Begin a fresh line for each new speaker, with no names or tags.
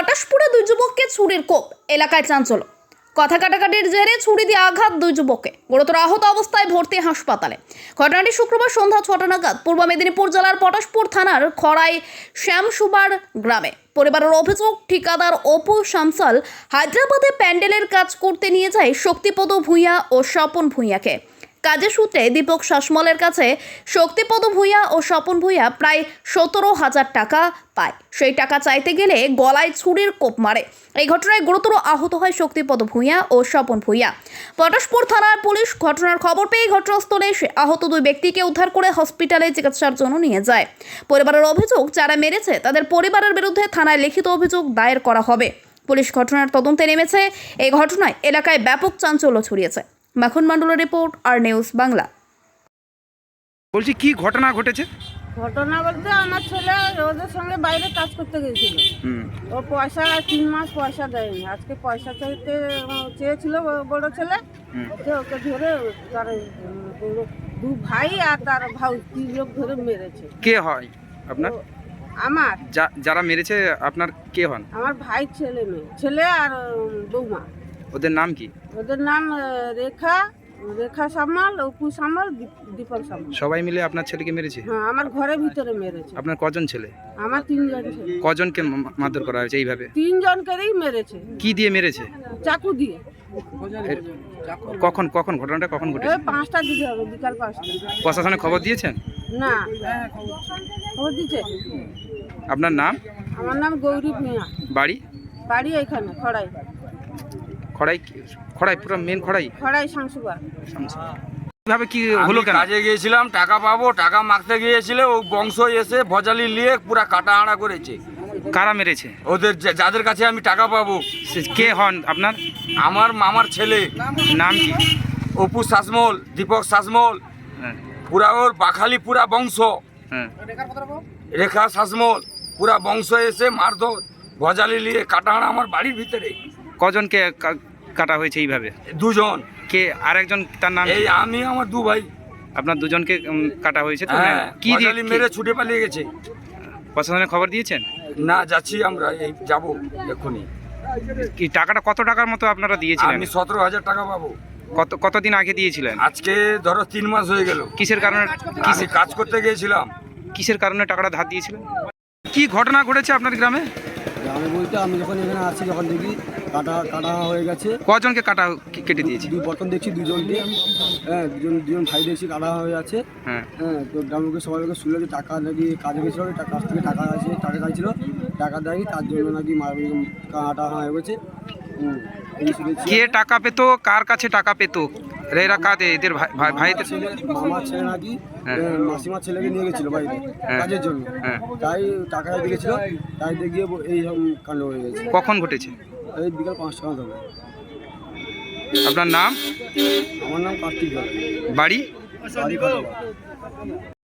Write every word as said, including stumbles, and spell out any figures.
পটাশপুরে দুই যুবককে ছুরির কোপ, এলাকায় চাঞ্চল্য। কথা কাটাকাটির জেরে ছুরি দিয়ে আঘাত দুই যুবককে, গুরুতর আহত অবস্থায় ভর্তি হাসপাতালে। ঘটনাটি শুক্রবার সন্ধ্যা ছটা নাগাদ পূর্ব মেদিনীপুর জেলার পটাশপুর থানার খড়াই শ্যামসুবার গ্রামে। পরিবারের অভিযোগ, ঠিকাদার অপু শামসাল হায়দ্রাবাদে প্যান্ডেলের কাজ করতে নিয়ে যায় শক্তিপদ ভূঁইয়া ও স্বপন ভূঁইয়াকে। কাজের সূত্রে দীপক শাসমলের কাছে শক্তিপদ ভূঁইয়া ও স্বপন ভূঁইয়া প্রায় সতেরো হাজার টাকা পায়। সেই টাকা চাইতে গেলে গলায় ছুরির কোপ মারে। এই ঘটনায় গুরুতর আহত হয় শক্তিপদ ভূঁইয়া ও স্বপন ভূঁইয়া। পটাশপুর থানার পুলিশ ঘটনার খবর পেয়ে ঘটনাস্থলে এসে আহত দুই ব্যক্তিকে উদ্ধার করে হসপিটালে চিকিৎসার জন্য নিয়ে যায়। পরিবারের অভিযোগ, যারা মেরেছে তাদের পরিবারের বিরুদ্ধে থানায় লিখিত অভিযোগ দায়ের করা হবে। পুলিশ ঘটনার তদন্তে নেমেছে। এই ঘটনায় এলাকায় ব্যাপক চাঞ্চল্য ছড়িয়েছে। মাখন মণ্ডলের রিপোর্ট, আর নিউজ বাংলা।
বলছি, কি ঘটনা ঘটেছে?
ঘটনা বলতে আমার ছেলে ওদের সঙ্গে বাইরে কাজ করতে গেছিল। ও পয়সা তিন মাস পয়সা দেয়নি। আজকে পয়সা চাইতে চেয়েছিল বড় ছেলে, ওকে ধরে তার দু ভাই আর তার ভাই তিন লোক ধরে মেরেছে।
কে হয় আপনার?
আমার
যারা মেরেছে আপনার কে হন?
আমার ভাই ছেলে মেয়ে, ছেলে আর বৌমা।
ওদের নাম কি?
ওদের নাম রেখা রেখা সামাল, অপু সামাল, দীপক সামাল।
সবাই মিলে আপনার ছেলেকে মেরেছে?
হ্যাঁ, আমার ঘরের ভিতরে মেরেছে।
আপনার কজন ছেলে?
আমার তিনজন ছেলে।
কজনকে মারধর করা হয়েছে এইভাবে?
তিনজনকেই মেরেছে।
কি দিয়ে মেরেছে?
চাকু দিয়ে।
কখন কখন ঘটনাটা কখন ঘটেছে?
পাঁচটার দিকে হবে, বিকাল পাঁচটা।
প্রশাসনে খবর দিয়েছেন?
না, খবর দিচ্ছে।
আপনার নাম?
আমার নাম গৌরী ভূঁইয়া।
বাড়ি?
বাড়ি এখানে খড়াই।
খড়াই? খড়াই পুরো মেন খড়াই?
খড়াই শামসুবার।
কিভাবে কি হলো? কেন?
কাজে গিয়েছিলাম, টাকা পাবো, টাকা মাগতে গিয়েছিল, ও বংশ এসে ভজালি নিয়ে পুরা কাটা আড়া করেছে।
কারা মেরেছে?
ওদের যা- যাদের কাছে আমি টাকা পাবো।
সে- কে হন আপনার?
আমার মামার ছেলে।
নাম কি?
অপু শাসমল, দীপক শাসমল,
হ্যাঁ,
পুরা ওর বাখালি পুরা বংশ।
হ্যাঁ।
রেখা শাসমল, পুরা বংশ এসে মারধর ভজালি নিয়ে কাটা আড়া আমার বাড়ির ভিতরে।
কজনকে কা- কাটা হয়েছে এইভাবে?
দুজন।
কে আরেকজন, তার নাম?
এই আমি আমার দু ভাই।
আপনার দুজনকে উম, কাটা হয়েছে তো?
হ্যাঁ,
কি দিয়ে
ভজালি মেরে ছুটে পালিয়ে গেছে।
প্রশাসনে খবর দিয়েছেন?
না, যাচ্ছি আমরা, এই যাবো এক্ষুনি।
কি টাকাটা কত টাকার মতো আপনারা দিয়েছিলেন?
আমি সতেরো হাজার টাকা পাবো।
কত কতদিন আগে দিয়েছিলেন?
আজকে ধরো তিন মাস হয়ে গেল।
কিসের কারণে
আমি
কিসের
কাজ করতে গিয়েছিলাম।
কিসের কারণে টাকাটা ধার দিয়েছিলেন? কি ঘটনা ঘটেছে আপনার গ্রামে?
আমি বলতে আমি যখন এখানে আসছি, যখন দেখি কাটা কাটা হয়ে গেছে।
কজনকে কাটা কেটে দিয়েছে?
দুই প্রথম দেখছি দুজনকে, হ্যাঁ দুজন দুজন ভাই দেখছি কাটা হয়ে আছে।
হ্যাঁ,
হ্যাঁ, তো গ্রামকে সবাই লোকে শুনলো যে টাকা নাকি কাজে গেছিলো, টাকা কাছ থেকে টাকা আছে, টাকা চাইছিল, টাকা দেয়নি, তার জন্য নাকি মার কাটা হয়ে গেছে। হুম, এই শুনেছি।
কে টাকা পেতো? কার কাছে টাকা পেতো? এরা কাদের? এদের ভাই ভাই- ভাইদের?
ছেলে মামার ছেলে নাকি
হ্যাঁ।
আহ, মাসিমার ছেলেকে নিয়ে গেছিলো বাড়িতে
হ্যাঁ।
কাজের জন্য।
হ্যাঁ।
তাই টাকা চাইতে গেছিলো, তাইতে গিয়ে এই কাণ্ড হয়ে গেছে।
কখন ঘটেছে?
এই বিকাল পাঁচটা নাগাদ হবে।
আপনার নাম?
আমার নাম কার্তিক।
বাড়ি?
বাড়ি কত?